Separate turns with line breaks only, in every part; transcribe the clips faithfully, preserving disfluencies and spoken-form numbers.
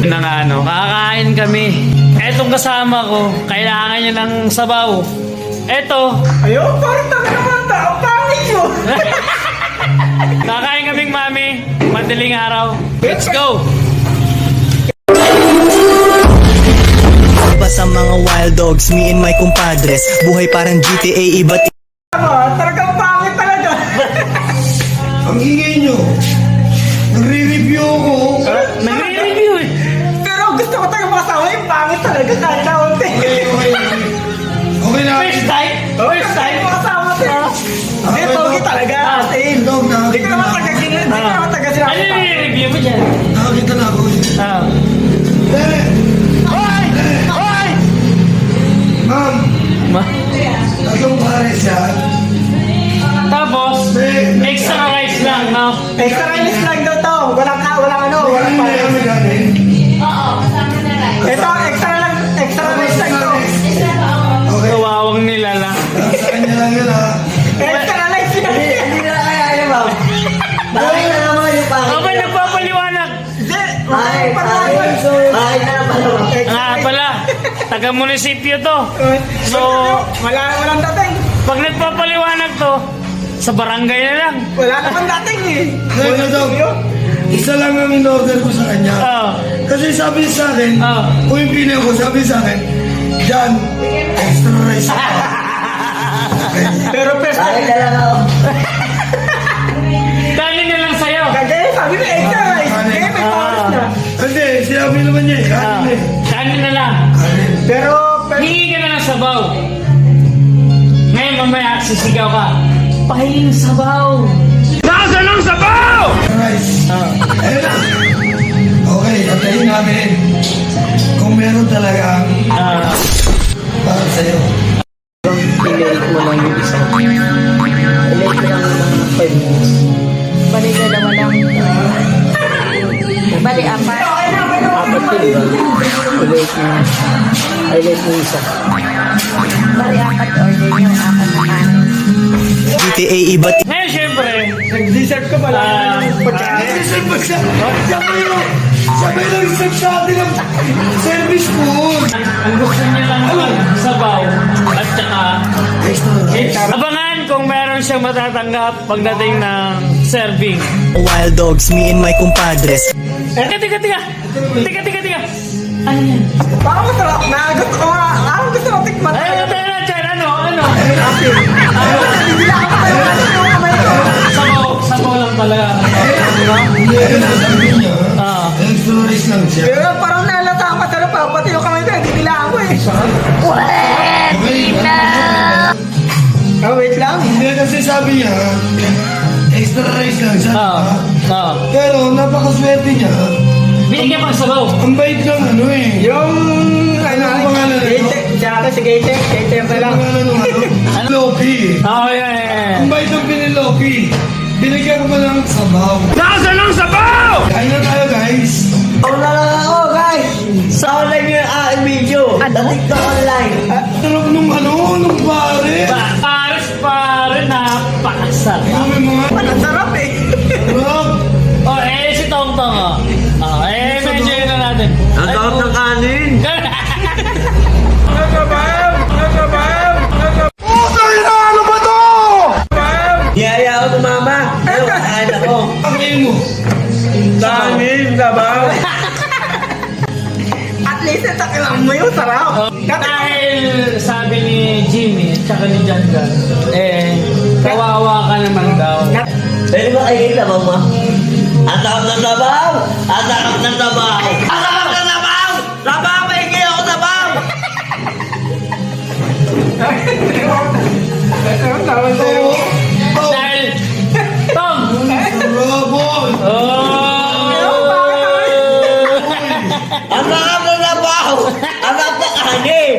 Na nga ano, kakain kami. Etong kasama ko, kailangan niya ng sabaw. Eto.
Ayun, parang taga naman tao. Pangit yun.
Kakain kaming mami. Madaling araw. Let's go!
Sa mga wild dogs, me and my compadres. Buhay parang G T A, iba't
Ah, talagang pangit talaga.
Ang ingay nyo. Nagre-review ako.
Nagre-review eh.
Pero gusto ko talaga makasama yung pangit talaga kahit na unti.
Okay, okay. Okay na.
First time? First time?
Makasama sila. Hindi, pogi talaga. As in.
Dog,
Hindi
nakakita
ka
na
naman
ako.
taga sila. Hindi ka naman taga sila.
Ano yung review mo dyan?
Nakakita na ako.
Ah.
Eh,
Hoy! Hoy!
ma'am.
Ma?
Tagang pares yan.
Tapos, extra rice lang, no?
Extra rice lang daw to. Walang ka, walang ano.
Ano
Walang
na
pangit.
kami galing?
Ito, extra lang. Extra rice lang to.
Okay.
Kawawang nilala.
Sa kanya lang yun ha.
Extra rice lang. Hindi na kaya yun, ma'am. Bakit na naman yung pangit?
Aba, nagpapaliwanag.
Hindi. Ay, ay, na naman.
Nga pala, taga-munisipyo to. So,
Wala, walang dating.
pag nagpapaliwanag to, sa barangay na lang.
Wala naman dating eh.
Ngayon na dog. Isa lang ang in-order ko sa kanya.
Oh.
Kasi sabi sa akin,
Oh.
kung yung pili ko, sabi sa akin, Jan, extra rice.
Pero first time.
Dali na lang sa'yo.
Kagaya, sabi mo extra rice. Kaya may pares na.
Hindi, sinabi naman niya eh.
Ah.
Kanin eh.
Kanin na lang.
Kanin.
Pero, pero,
Hingi ka na ng sabaw. Ngayon mamaya, sisigaw ka. Pahinging sabaw. Nasa ng sabaw!
Rice.
Ah.
Ayun na. Okay, patayin namin. Kung meron talagang
Ah.
para sa'yo.
I-late mo lang yung isa. I-late mo lang ng five minutes.
Bali, dalawa lang. Bali, apat.
Apat yun ba? I-late mo. I-late mo yung isa.
Bali, apat order yung apat na kanin.
G T A, iba't
Ngayon, syempre,
nag-dessert ko pala.
Ah.
Ay, isang ba siya? Sabay yung, sabay lang isang sa atin ang service food.
ang gusto niya lang naman, sabaw. At saka,
Extra.
abangan kung meron siyang matatanggap pagdating ng serving.
wild dogs, me and my compadres.
Teka, teka, teka. Teka, teka, teka. Ano yan?
Parang masarap na. Gusto ko nga. Parang gusto ko tikman.
Ay, ano tayo na dyan? Ano? Ano?
Hindi lang ako tayo natin yung kamay ko.
Sabaw. Sabaw lang pala.
Hindi, ayun ang sabi niya.
Ah.
Extra rice lang siya.
Pero parang nalata ang masarap pa. Pati yung kamay ko. Hindi nila ako eh.
Okay,
Oh, wait lang.
hindi kasi sabi niya, extra rice lang siya.
Ah.
diba?
Ah.
Pero napakaswerte niya.
Binigyan pang sabaw.
Ang bait lang ano eh.
Yung, ano,
Ano ang pangalan nito?
Gate. Tsaka si Gate. Gate pa lang.
Ang pangalan ng ano? Loki.
Oh, yeah, yeah.
Ang bait ng piniloki. Binigyan ko pa ng sabaw.
Nasa ng sabaw!
Kain na tayo guys.
Wala lang ako, guys! Sa online yung aking video.
Ano?
TikTok online.
Sarap nung ano, nung pare.
Pares, pare, napakasarap.
Ano may mga
Ang sarap eh.
sarap.
Oh, eh, si Tong Tong, oh. Oh, eh, medyo yun na natin.
Ang sarap ng kanin. Niyaya ako ng mama. Ano, kain ako.
Ang mo.
Kanin, sabaw. At least natakilang mo yung sarap.
Dahil sabi ni Jimmy at saka ni John Gunn, eh, kawawa ka naman daw.
Pwede ba kayo yung sabaw mo? Ang sarap ng sabaw! Ang sarap ng sabaw! Ang sarap ng sabaw! Sabaw! Pahingi ako sabaw!
Oo. Oh,
Dahil, Tom!
Robot.
Oh!
Ang sarap ng sabaw! Ang sarap ng kanin!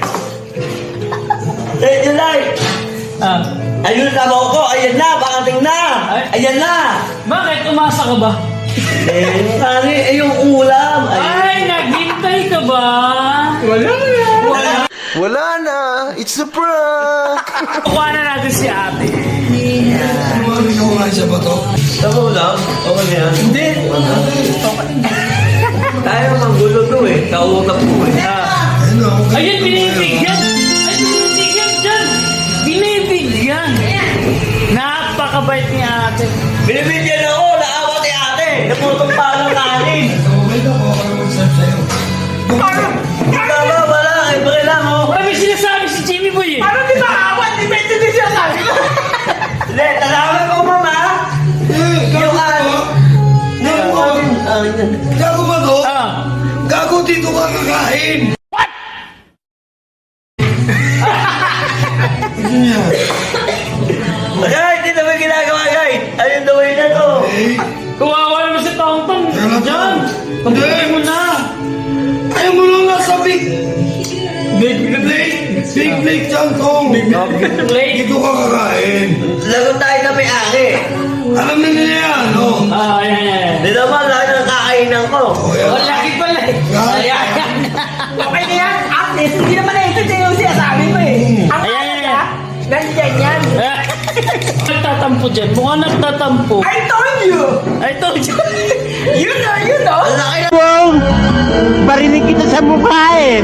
Thank you, Lai!
Ah,
Ayun yung sabaw ko! Ayan na! Pakating na! Ayan na!
bakit umasa ka ba?
Eh, yung kanin, eh, yung ulam! Ayun.
Ay, naghintay ka ba?
Wala na.
Wala.
Wala na, it's a prank!
Kukuha na natin si ate.
Ano yung mga siya ba to?
Sabaw lang? Okay na yan?
Hindi.
Tayo mang Natutulog ko eh. Kautap ko eh.
Ah.
Ayun ako.
Ayun, binibigyan! Ay, binibigyan dyan! Binibigyan! Napakabait ni ate.
Binibigyan ako. Naawa ni ate. Naputong palo kanin.
Okay na po. Ako mag-serve sa'yo.
Tama, wala. Eh, pare lang oh.
Wala may sinasabi si Jimmy Boy eh.
Parang di ba awan? Di ba ito din siya sabi ko?
Hindi, talawan ko mama.
Eh, gago ba? Gago ba? Gago ba to?
Ah.
Gago dito ka kakain. Ano yan?
Ay, hindi naman ginagawa guys. Ayun daw yun na to.
Eh,
Kuwawa naman si Tong Tong.
Ano to?
Diyan. Pagkain mo na.
ayaw mo lang nasa big... Big plate. Big plate dyan, Tong.
Late.
Dito ka kakain.
Lagot tayo na may ari.
Alam na nila yan, no?
Ah, ayan, ayan.
Hindi naman, lahat ng kakainan ko.
O, yan.
Oh, laki pala eh. Ayan, ayan.
Okay na yan. At least, hindi naman na ito yung sinasabi mo eh. Ang
Ayan,
kaya
ayan.
niya, ganyan yan.
Nagtatampo dyan. Mukhang nagtatampo.
I told you.
I told you.
You know, you know.
Ang laki na.
Barinig kita sa mukha eh.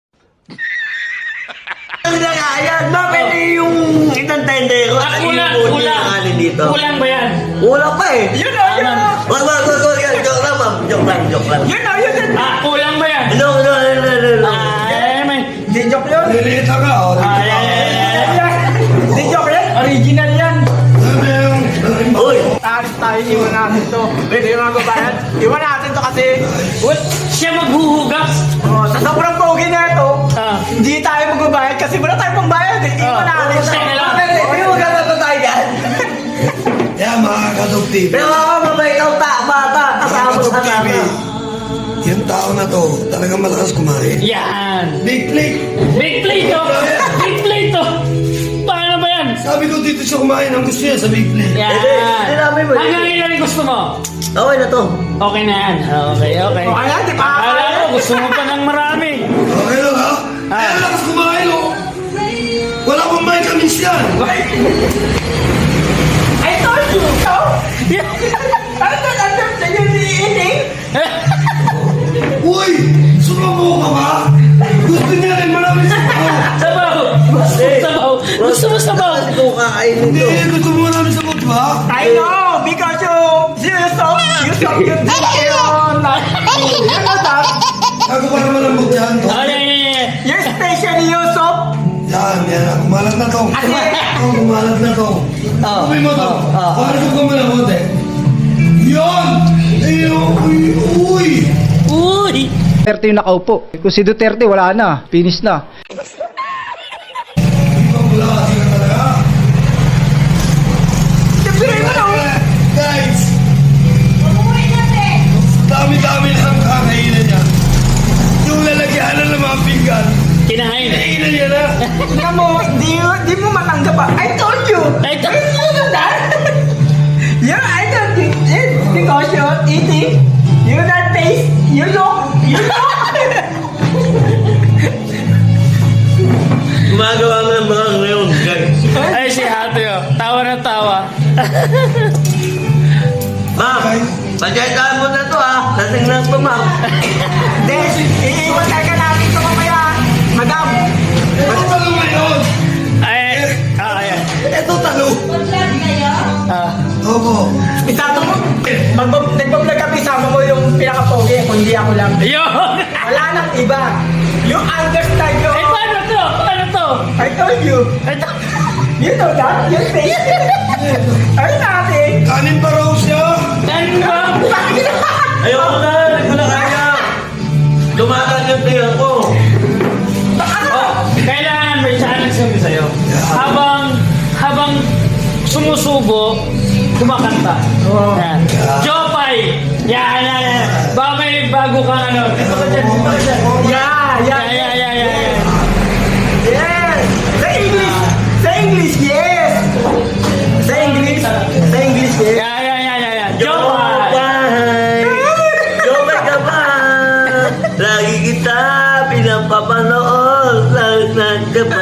Ang nakayan. Bakit yung itantende ko?
Ah,
Ano
kulang,
yung
kulang.
yung kanin dito?
Kulang ba yan?
Kulang pa eh.
You know, you know.
Wag, wag, wag, wag. yan. Joke lang, ma'am. Joke lang, joke lang.
You know, you know.
Ah, kulang ba yan?
No, no, no, no, no, no.
Ah, may...
Di joke yun.
Lilita ka, o.
Ah, ayan, ayan, ayan.
Di joke yan. Original yan.
Sabi yung...
Uy.
Taris tayo, iwan natin to. Pwede yung mga babayan. Iwan natin to kasi,
What? Siya maghuhugas.
oh, sa sobrang pogi na ito,
Ah.
hindi tayo magbabayad kasi wala tayong pambayad. Eh. Iwan
Ah,
natin.
siya na lang.
Hindi mo gano'n to tayo dyan.
Yan, mga kadugtib.
Pero ako mabait ang ta, bata. Kasama sa
Kadugtib,
tata.
yung tao na to, talagang malakas kumain.
Yan.
Big plate.
Big plate to. Big plate to. Paano ba yan?
Sabi ko dito siya kumain, ang gusto niya sa big plate.
Yan.
Hindi, hindi namin mo.
Hanggang ilan yung gusto mo?
Okay na to.
Okay na yan. Okay, okay.
O kaya, di pa
Akala ko, gusto mo pa ng marami.
Okay lang, ha?
Ah.
Ay, ang lakas kumain, oh. Wala pang vitamins yan.
I told you. So, ano to, ano to, yung eating?
Uy, sumamo ka ba? Gusto niya rin maraming sabaw.
Sabaw. Gusto mo sabaw. Gusto mo sabaw.
Ito kakainin
Hindi,
to.
gusto mo maraming sabaw, di ba?
I know, because you, you so, you so, you think you're not, you know that,
Ako pa naman ang yan, to.
Ay, ay, ay, ay.
you're special, you so,
Yan, yan. Kumalat na to.
Kasi-
Oh, kumalat na to.
Oh,
Kumain mo to.
oh, oh.
Paano ko kumalamot eh? Yan! Ay, uy, uy!
Uy.
Duterte yung nakaupo. Kung si Duterte, wala na. Finish na.
Ibang klase ka talaga.
sabihin mo na,
Guys! Dami-dami na ang kakainin niya. Yung lalagyan na ng mga pinggan.
Kinahain.
Kainan niya na.
tingnan mo, di, di mo matanggap pa. I told you.
Ay, to-
You know that? Yeah, I told you. It's because you're eating, you that taste, you look, you look.
Gumagawa mo ng mga ngayon, guys.
Ay, si ate oh. Tawa na tawa.
Ma'am, pagkaitaan mo na to ah. Lasing lang to, ma'am.
Then, iiwan talaga natin ito mamaya. Madam,
Ito talo ngayon.
Ay, ah, ayan.
Ito talo.
Ah.
Opo.
isato mo, mag nagbablog kami, sama mo yung pinaka-pogi, kundi ako lang.
Ayun.
Wala nang iba. You understand yun.
Ay, paano to? Paano to?
I told you.
Ito.
You know that? You taste it. Ay natin.
Kanin pa raw siya.
Ano ba?
Ayoko na, hindi ko na kaya. Lumatag yung tiyan ko.
Oh, kailangan may challenge kami sa'yo. Habang, habang sumusubo, kumakanta. Yan. Jopay! Yan, yan, yan. Baka may bago kang ano. Dito ka dyan, dito ka dyan.
Yeah, yeah,
Yan, yan, yan, yan, yan.
yes. Sa English. Sa English, yes. Sa English. Sa English, yes.
Yan, yan, yan, yan, yan. Jopay!
Jopay! Jopay ka ba? Lagi kita pinapapanood. Lagi na ka ba?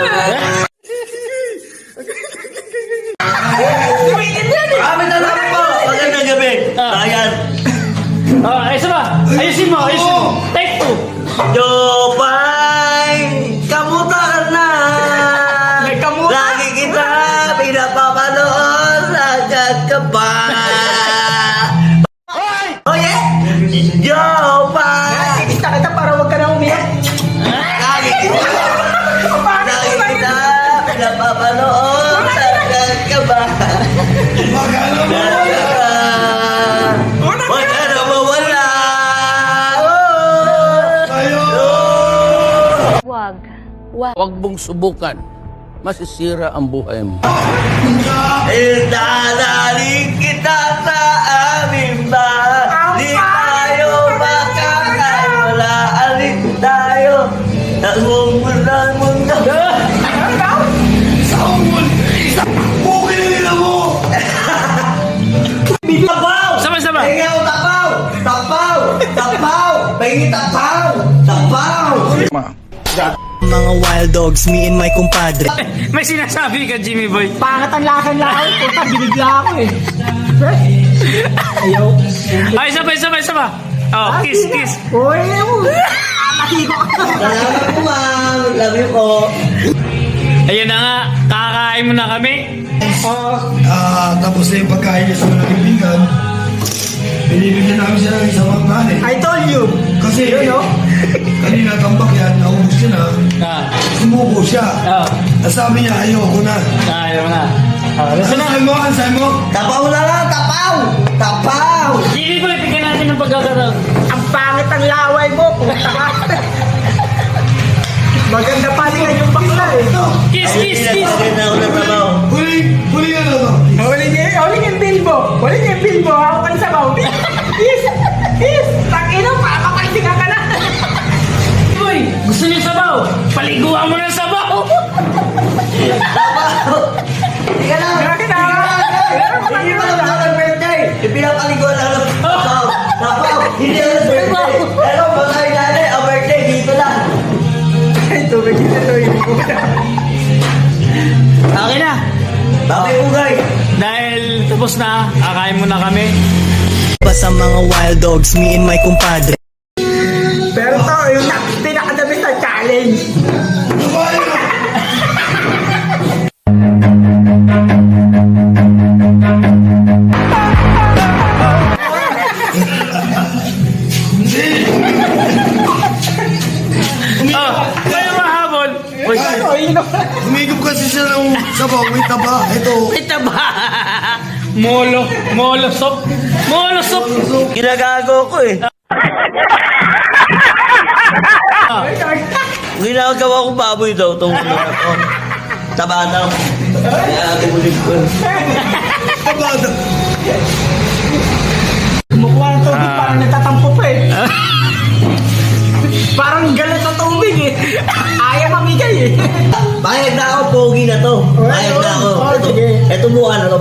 Tumitin yan eh.
Kami na lang po. Magandang gabi.
Ah.
Ayan.
Oh, isa ba? Ayusin mo, ayusin mo. Take
Jopay, kamuta ka na.
May kamuta?
Lagi kita pinapapanood, sagad ka ba? Oh yeah? Jopay,
Kita kita para wag ka na umiyak.
lagi kita, lagi kita pinapapanood, sagad ka ba?
Magkano mo?
Huwag ka na mawala.
Kayo!
Wag.
Huwag mong subukan. Masisira ang buhay mo.
Idadaling kita sa aming bahay. Di tayo makakawala. Alis tayo. Nagmumulan mundo.
Saul! Pukin na nila mo!
Tapaw!
Sama-sama.
Pahingi ako tapaw! Tapaw! Tapaw! Pahingi tapaw! Tapaw!
Mga wild dogs, me and my compadre.
May sinasabi ka, Jimmy Boy.
Pangat ang lakan lakan. Puta, binigla ako eh. Ayaw.
Ay, isa pa, isa pa, isa pa. Oh, kiss, kiss.
Uy, matiko ka.
Salamat po, ma'am. Love you po.
Ayun na nga, kakain mo na kami.
Ah, tapos na yung pagkain niya sa mga kaibigan. Binibigyan namin siya ng isang manggaling.
I told you.
Kasi,
You know?
kanina tambak yan, naubos siya na.
Ah,
Sumuko siya.
oh,
At sabi niya, ayoko na.
ayaw na. Oh,
Ano
listen na.
sa'yo mo? Ano sa'yo mo?
Tapaw na lang! Tapaw! Tapaw!
Jimmy Boy, bigyan natin ng pagkakaroon.
Ang pangit ang laway mo. Puta ka. Maganda pa rin yung bakla eh.
Kiss, kiss, kiss.
Pinapaganda ako ng tapaw.
Huli, huli ka na to.
Huli niya, huli niya yung bilbo. Huli niya yung bilbo. Ako kayo sa baw. Yes! Yes! Takino, pakapalisinga ka na.
Boy, gusto niyo sabaw? Paliguan mo ng sabaw.
Tapaw! Hindi ka lang!
Grabe na.
Hindi pa lang ako ng-birthday! Ipinapaliguan lang ng tapaw! Tapaw! Hindi ako ng-birthday! Pero matay natin, ang birthday dito lang!
Ay, tubig yun ito.
Okay na.
Babay po guys!
Dahil tapos na, kakain mo na kami.
Pa sa mga wild dogs, me and my compadre.
Pero to, yung nak- pinakadami sa challenge.
Dumayo na!
Oh, kayo mahabol. Uy,
Ano, yun know?
Umigop kasi siya ng sabaw. Wait na ba? Ito.
ito ba? Molo, molo soup. Molo soup.
Ginagago ko eh! Ginagawa ko baboy daw itong ano na to. Tabanaw. Ginagawa ko ulit ko.
Tabada.
Kumukuha ng tubig, parang nagtatampo pa eh. Parang galit sa tubig eh. Ayaw mamigay eh.
Bayad na ako, pogi na to. Bayad na ako.
Oh,
Ito,
sige.
ito mukha na to.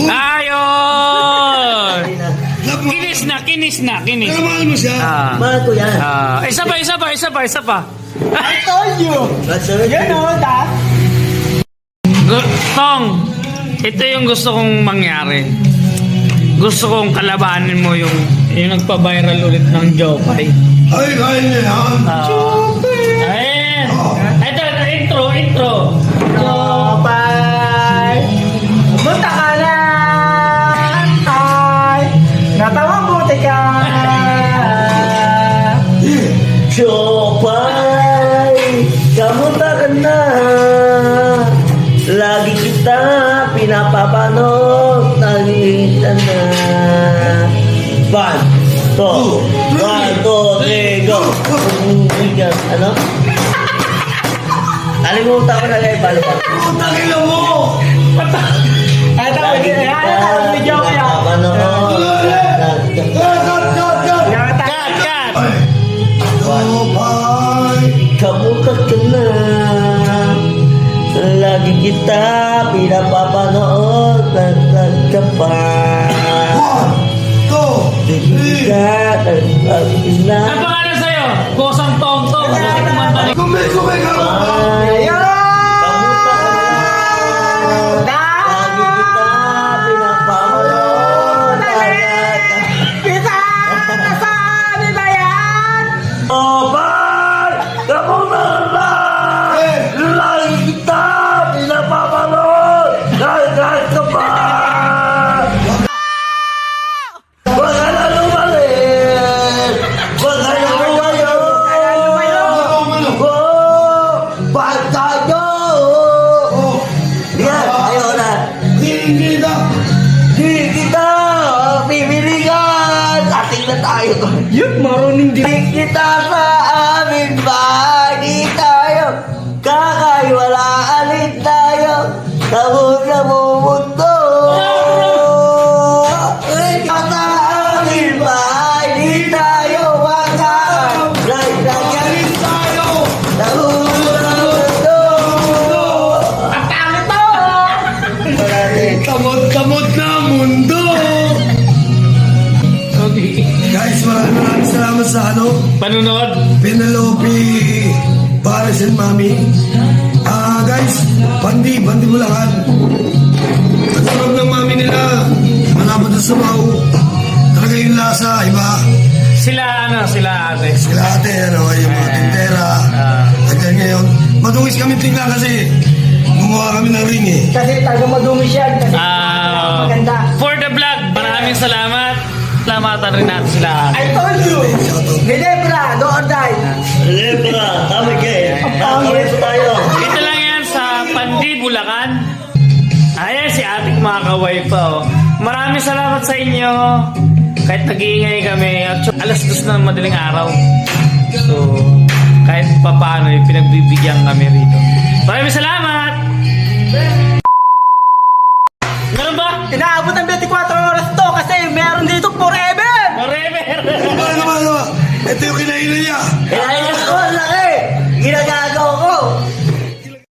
Ayun!
Love mo.
Kinis na, kinis na, kinis.
Pero mahal mo siya.
Ah.
Mahal ko yan.
Ah, isa pa, isa pa, isa pa, isa pa.
I told you.
That's all.
You know that.
Gu- Tong, ito yung gusto kong mangyari. Gusto kong kalabanin mo yung yung nagpa-viral ulit ng Jopay.
Ay, kaya niya yan.
Ah. Ayan. Ito, ito, intro, intro.
Bye. Punta ka na. Tay. Natawang buti ka.
Jopay, kamusta ka na? Lagi kita pinapapanood, nalita na. One, two, one, two, three, go! Ano? Nalimutan ko na lang yung balo pa.
Putang ina mo!
Ay, tawag yun. Ay, tawag mo joke yan.
Pinapapanood.
Cut, cut, cut, cut!
Yan,
Cut,
tay.
cut.
Ay. Jopay.
Kamusta ka na? Lagi kita pinapapanood, nagtag ka pa.
One, two, three.
Ka, nagtag na.
Ang pangalan sa'yo? Kosang Tong Tong.
Kumay, kumay ka!
Ay,
Ayun.
kamusta ka na? Lagi kita pinapapanood, nagtag ka.
Kita! Saan ba yan?
Oh,
hindi.
Kita sa amin bahay, di tayo kakaiwalaan tayo sa muna mundo. Kita sa amin bahay, di tayo makakaiwalaan tayo sa muna mundo.
Ang pangit mo!
Tamot-tamot na mundo.
Okay.
Guys, maraming maraming salamat sa ano,
Panunod.
Penelope, Paris and Mami. Ah, guys, Bandi, Bandi Bulacan. Ang sarap ng mami nila, malapad na sabaw. Talaga yung lasa, iba.
Sila ano, sila ate.
Sila ate, ano, yung mga tintera.
Ah.
Hanggang ngayon, madungis kami tingnan kasi gumawa kami ng ring eh.
Kasi talaga madumi siya. Kasi
Ah,
maganda.
for the vlog, maraming salamat. Salamatan rin natin sila ate.
I told you. Ginebra, do or die.
Lebra, tama kayo. Nakakawin po tayo.
Ito lang yan sa Pandi, Bulacan. Ayan si ating mga kaway pa. Oh. Maraming salamat sa inyo. Kahit nag-iingay kami. Actually, alas dos na ng madaling araw. So, kahit papaano, eh, pinagbibigyan kami rito. Maraming salamat! Meron ba?
Inaabot ng twenty-four oras to kasi meron dito forever.
Forever!
Ano naman, ano? Ito yung kinainan niya.
Kaya